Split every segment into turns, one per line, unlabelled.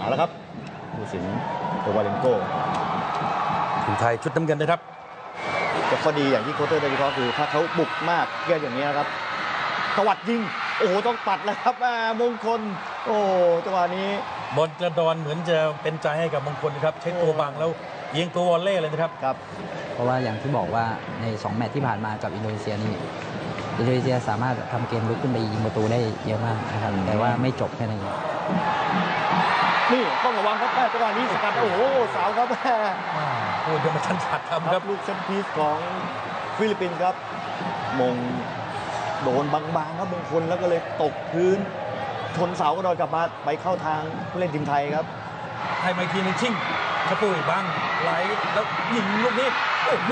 เอาละครับผู้สินโควาเลนโก
ทีมไทยชุดน้ำเงินนะครับ
แต่ข้อดีอย่างที่โค้ชเตอร์ได้วิเคราะห์คือถ้าเขาบุกมากเกินอย่างนี้นะครับตวัดยิงโอ้โหต้องปัดแล้วครับมงคลโอ้จังหวะนี้
บอลกระดอนเหมือนจะเป็นใจให้กับมงคลนะครับใช้ตัวบังแล้วยิงตัววอลเล่เลยนะครับ
ครับ
เพราะว่าอย่างที่บอกว่าใน2แมตช์ที่ผ่านมากับอินโดนีเซียนี่อินโดนีเซียสามารถทำเกมลุกขึ้นไปยิงประตูได้เยอะมากนะครับแต่ว่าไม่จบแค่นั้น
นี่ต้องระวังครับจังหวะนี้สกัดโอ้โหสาวครับ
โอ้ยยังไม่ทันขาดคำครับ
ลูกเซนพีสของฟิลิปปินส์ครับมงโดนบางๆครับมงคลแล้วก็เลยตกพื้นชนเสากระโดดกลับมาไปเข้าทางผู้เล่นทีมไทยครับ
ให้มาทีนึงชิงกระปุยบังไหลแล้วยิงลูกนี้โอ้โห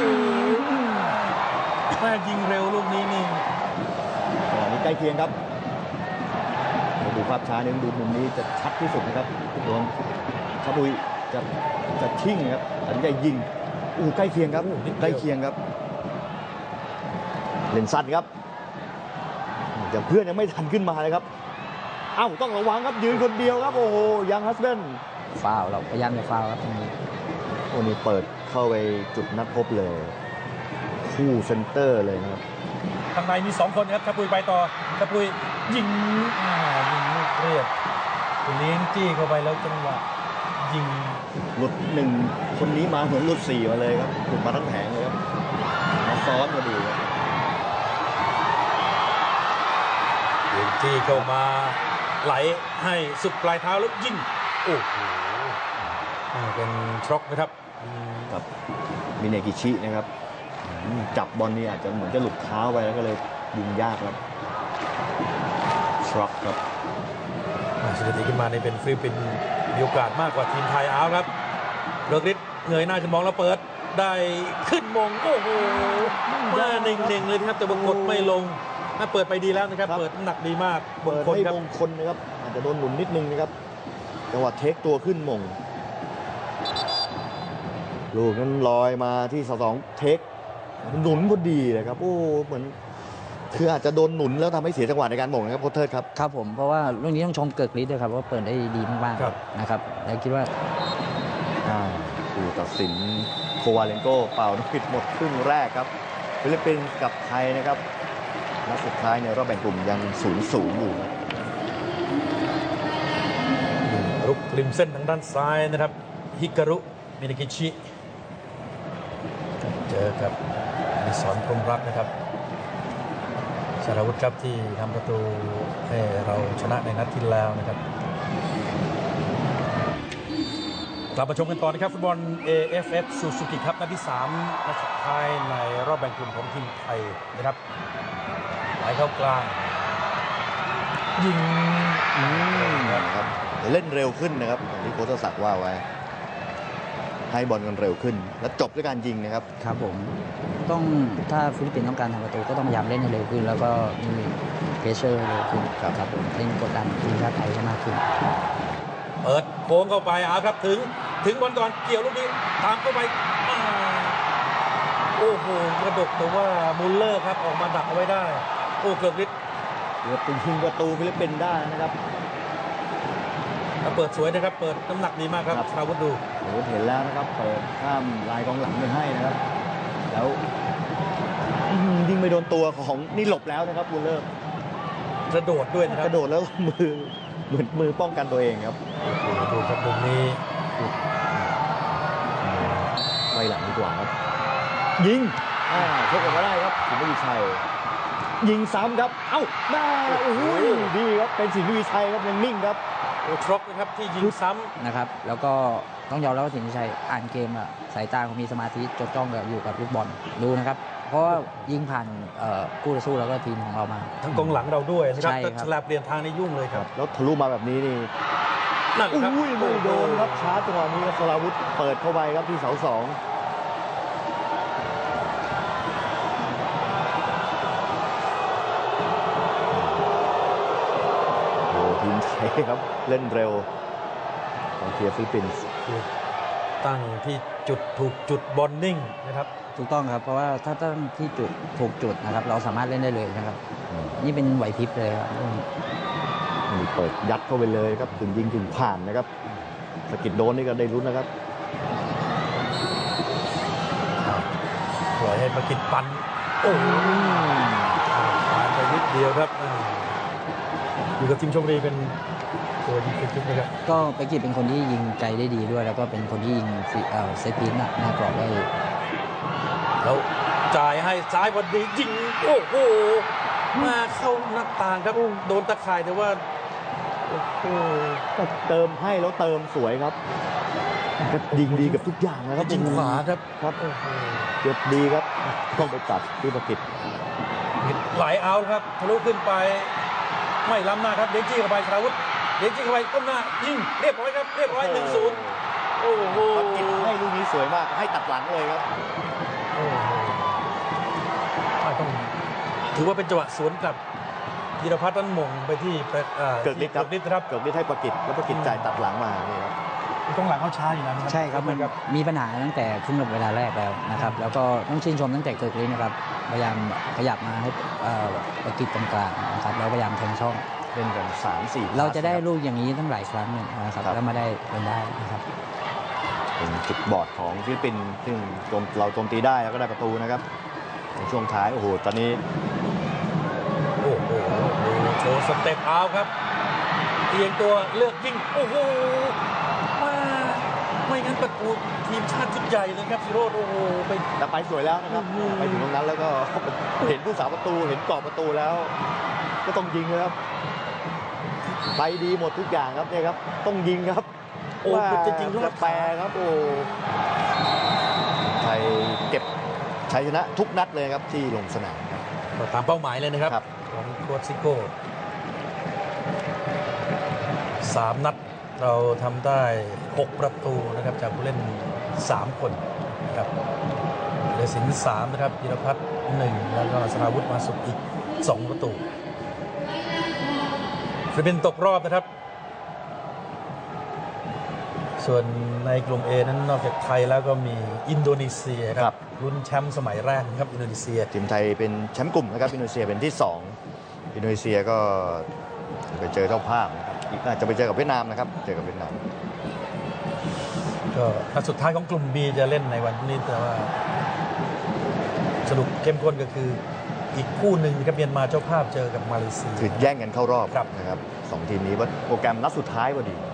แม่ยิงเร็วลูกนี้นี่
ใกล้เคียงครับดูภาพช้าเนี่ยดูมุมนี้จะชัดที่สุดนะครับรวมชาบุยจะชิ่งครับตัดสินใจยิงใกล้เคียงครับใกล้เคียงครับเล่นสั้นครับแต่เพื่อนยังไม่ทันขึ้นมาเลยครับต้องระวังครับยืนคนเดียวครับโอ้โหยังฮัสเบน
ฟาวเราพยายามจะฟาวครับตรงนี้
นี่เปิดเข้าไปจุดนัดพบเลยคู่เซนเตอร์เลยนะครับ
ทางในมี2คนครับชาปุยไปต่อชาปุยยิงลูกเรียบเลี้ยงจี้เข้าไปแล้วจังหวะยิง
หลุด1คนนี้มาเหมือนหลุด4มาเลยครับหลุดมาทั้งแผงเลยครับมาซ้อนมาดูครับ
เลี้ยงจี้เข้ามาไหลให้สุดปลายเท้าแล้วยิงโอ้โหเป็นช็อกนะครับ
กับมิเนกิชินะครับจับบอลนี่อาจจะเหมือนจะหลุดเท้าไปแล้วก็เลยยิงยากครับช็อกครับ
สถิติขึ้นมาในเป็นฟิลิปปินส์มีโอกาสมากกว่าทีมไทยเอาครับเลิกฤทธิ์เงยหน้าจะมองแล้วเปิดได้ขึ้นมงโอ้โหมาเน่งๆเลยครับแต่บงกดไม่ลงถ้าเปิดไปดีแล้วนะครับเปิดน้ำหนักดีมาก
เปิดให้มงคลนะครับอาจจะโดนหนุนนิดนึงนะครับจังหวะเทคตัวขึ้นมงลูกนั้นลอยมาที่2เทคหนุนพอดีเลยครับโอ้เหมือนคืออาจจะโดนหนุนแล้วทำให้เสียจังหวะในการหม่งนะครับโค้ชเทิร์ดครับ
ครับผมเพราะว่าเรื่องนี้ต้องชมเกิร์กฤทธิ์ด้วยครับว่าเปิดได้ดีมากๆนะครับแล้วคิดว่า
ผู้ตัดสินโควาเลนโกเป่าปิดหมดครึ่งแรกครับฟิลิปปินส์กับไทยนะครับนัดสุดท้ายในรอบแบ่งกลุ่มยัง0-0อยู่
รุกริมเส้นทางด้านซ้ายนะครับฮิการุมินากิชิเจอกับมิสอนพรหมรัตน์นะครับสารวุฒิครับที่ทำประตูให้เราชนะในนัดที่แล้วนะครับกลับมาชมกันต่อนะครับฟุตบอล AFF Suzuki ครับนัดที่3นัดสุดท้ายในรอบแบ่งกลุ่มของทีมไทยนะครับไหลเข้ากลางยิง
นะครับเล่นเร็วขึ้นนะครับอย่างที่โค้ชศักดิ์ว่าไว้ให้บอลกันเร็วขึ้นและจบด้วยการยิงนะครับ
ครับผมต้องถ้าฟิลิปปินส์ต้องการทำประตูก็ต้องพยายามเล่นให้เร็วขึ้นแล้วก็มีเพรสเชอร์เร็วขึ้นครับผมเล่นกดดันทีมชาติไทยให้มากขึ้น
เปิดโค้งเข้าไปครับถึงบอลก่อนเกี่ยวลูกนี้ตามเข้าไปโอ้โหกระดกแต่ว่ามุลเลอร์ครับออกมาดักเอาไว้ได้โอ้เกิร์กฤทธิ์
เกือบเป็นยิงประตูฟิลิปปินส์ได้นะครับ
เปิดสวยนะครับเปิดน้ำหนักดีมากครับชาวุฒิดู
เห็นแล้วนะครับเปิดข้ามลายกองหลังไปให้นะครับแล้วยิงไปโดนตัวของนี่หลบแล้วนะครับมุลเลอร์
กระโดดด้วยนะครับ
กระโดดแล้วมือป้องกันตัวเองครับ
ดูครับมุมนี้
ไปหลังดีกว่าครับยิงชกออกมาได้ครับสินทวีชัยยิงซ้ำครับได้โอ้โหดีครับเป็นสินทวีชัยครับยังนิ่งครับ
ทร็อกนะครับที่ยิงซ้ำ
นะครับแล้วก็ต้องยอมรับว่าสินทวีชัยอ่านเกมสายตาเขามีสมาธิจดจ้องอยู่กับลูกบอลดูนะครับเพราะว่ายิงผ่านคู่ต่อสู้แล้วก็ทีมของเรามา
ทั้งกองหลังเราด้วยนะครับแต่ฉลาดเปลี่ยนทางในยุ่งเลยครับ
แล้วทะลุมาแบบนี้นี่นั่นครับไม่โดนครับช้าจังหวะนี้สราวุธเปิดเข้าไปครับที่เสา2ทีมไทยครับเล่นเร็วของทีมฟิลิปปินส์
ตั้งที่จุดถูกจุดบอลนิ่งนะครับ
ถูกต้องครับเพราะว่าถ้าตั้งที่จุดถูกจุดนะครับเราสามารถเล่นได้เลยนะครับนี่เป็นไหวพริบเลยครับ
เปิดยัดเข้าไปเลยครับถึงยิงถึงผ่านนะครับสกิดโดนนี่ก็ได้ลุ้นนะครับ
ปล่อยให้ประกิตปันโอ้โหผ่านไปนิดเดียวครับอยู่กับทีมชมบุรีเป็นตัวยิงฟรีคิกนะครับ
ก็ไปกิจเป็นคนที่ยิงไกลได้ดีด้วย แล้วก็เป็นคนที่ยิงเซตพีซหน้ากรอบได้
แล้วจ่ายให้ซ้ายพอดียิงโอ้โหมาเข้าหน้าต่างครับโดนตะข่ายแต่ว่าโอ้โห
ก็เติมให้แล้วเติมสวยครับก็ยิงดีกับทุกอย่างนะครับ
ยิงขวาครับ
ครับ
โอ้โห
เก็บดีครับต้องไปตัดที่ประกิต
ไหลเอาครับทะลุขึ้นไปไม่ล้ำหน้าครับเดนจี้เข้าไปชาวุฒิเดนจี้เข้าไปก้มหน้ายิงเรียบร้อยครับเรียบร้อย 1-0 โอ้โห
ประกิตให้ลูกนี้สวยมากให้ตัดหลังเลยครับ
โอ้โหต้องถือว่าเป็นจังหวะสวนกลับธีรพัฒน์นั้นหม่งไปที่
เกิดฤทธิ์ครับ
เกิดฤทธิ์ครับ
เกิดฤทธิ์ให้ประกิตแล้วประกิตจ่ายตัดหลังมานี่ครับ
ตรงหลังเขาช้าอยู่แล้วนะครับ
ใช่ครับมันมีปัญหาตั้งแต่ครึ่งเวลาแรกแล้วนะครับ แล้วก็ต้องชื่นชมตั้งแต่เกิดเลยนะครับพยายามขยับมาให้ประกิจตรงกลางนะครับแล้วพยายามแทงช่อง
เล่นกัน3-4
เราจะได้ลูกอย่างนี้ตั้งหลายครั้งหนึ่งนะครับแล้วมาได้เป็นได้นะครับ
เป็นจุดบอดของฟิลิปปินส์ซึ่งเราโจมตีได้แล้วก็ได้ประตูนะครับในช่วงท้ายโอ้โหตอนนี้
โอ้โหโชว์สเต็ปเอาครับเอียงตัวเลือกยิงโอ้โหไม่งั้นประตูทีมชาติชุดใหญ่เลยครับซิโรดโอ้โหไป
แต่ไปสวยแล้วนะครับ
อืม
ไปถึงตรงนั้นแล้วก็ เห็นผู้สาประตูเห็นกรอบประตูแล้ว ก็ต้องยิงเลยครับไปดีหมดทุกอย่างครับเนี่ยครับต้องยิงครับ
โอ้จะยิงรอด
แปรครับโอ้ไทยเก็บชัยชนะทุกนัดเลยครับที่ลงสนามครับ
ตามเป้าหมายเลยนะครับ
ครับ
ของโค้ชซิโก้3 นัดเราทำได้ 6 ประตูนะครับจากผู้เล่น 3 คนนะครับเดสิน3นะครับธีรพัฒน์1แล้วก็สราวุธมาสุขอีก 2 ประตูฟิลิปปินส์ตกรอบนะครับ ส่วนในกลุ่ม A นั้นนอกจากไทยแล้วก็มีอินโดนีเซียครับลุ้นแชมป์สมัยแรกนะครับอินโดนีเซีย
ทีมไทยเป็นแชมป์กลุ่มนะครับอินโดนีเซียเป็นที่2อินโดนีเซียก็ไปเจอเจ้าภาพนะครับจะไปเจอกับเวียดนามนะครับเจอกับเวียดนาม
ก็นัดสุดท้ายของกลุ่ม B จะเล่นในวันพรุ่งนี้แต่ว่าสรุปเข้มข้นก็คืออีกคู่หนึ่งนะครับเมียนมาเจ้าภาพเจอกับมาเลเซีย
คือแย่งกันเข้ารอบ
ครับ
นะครับ2ทีมนี้ว่าโปรแกรมนัดสุดท้ายพอดี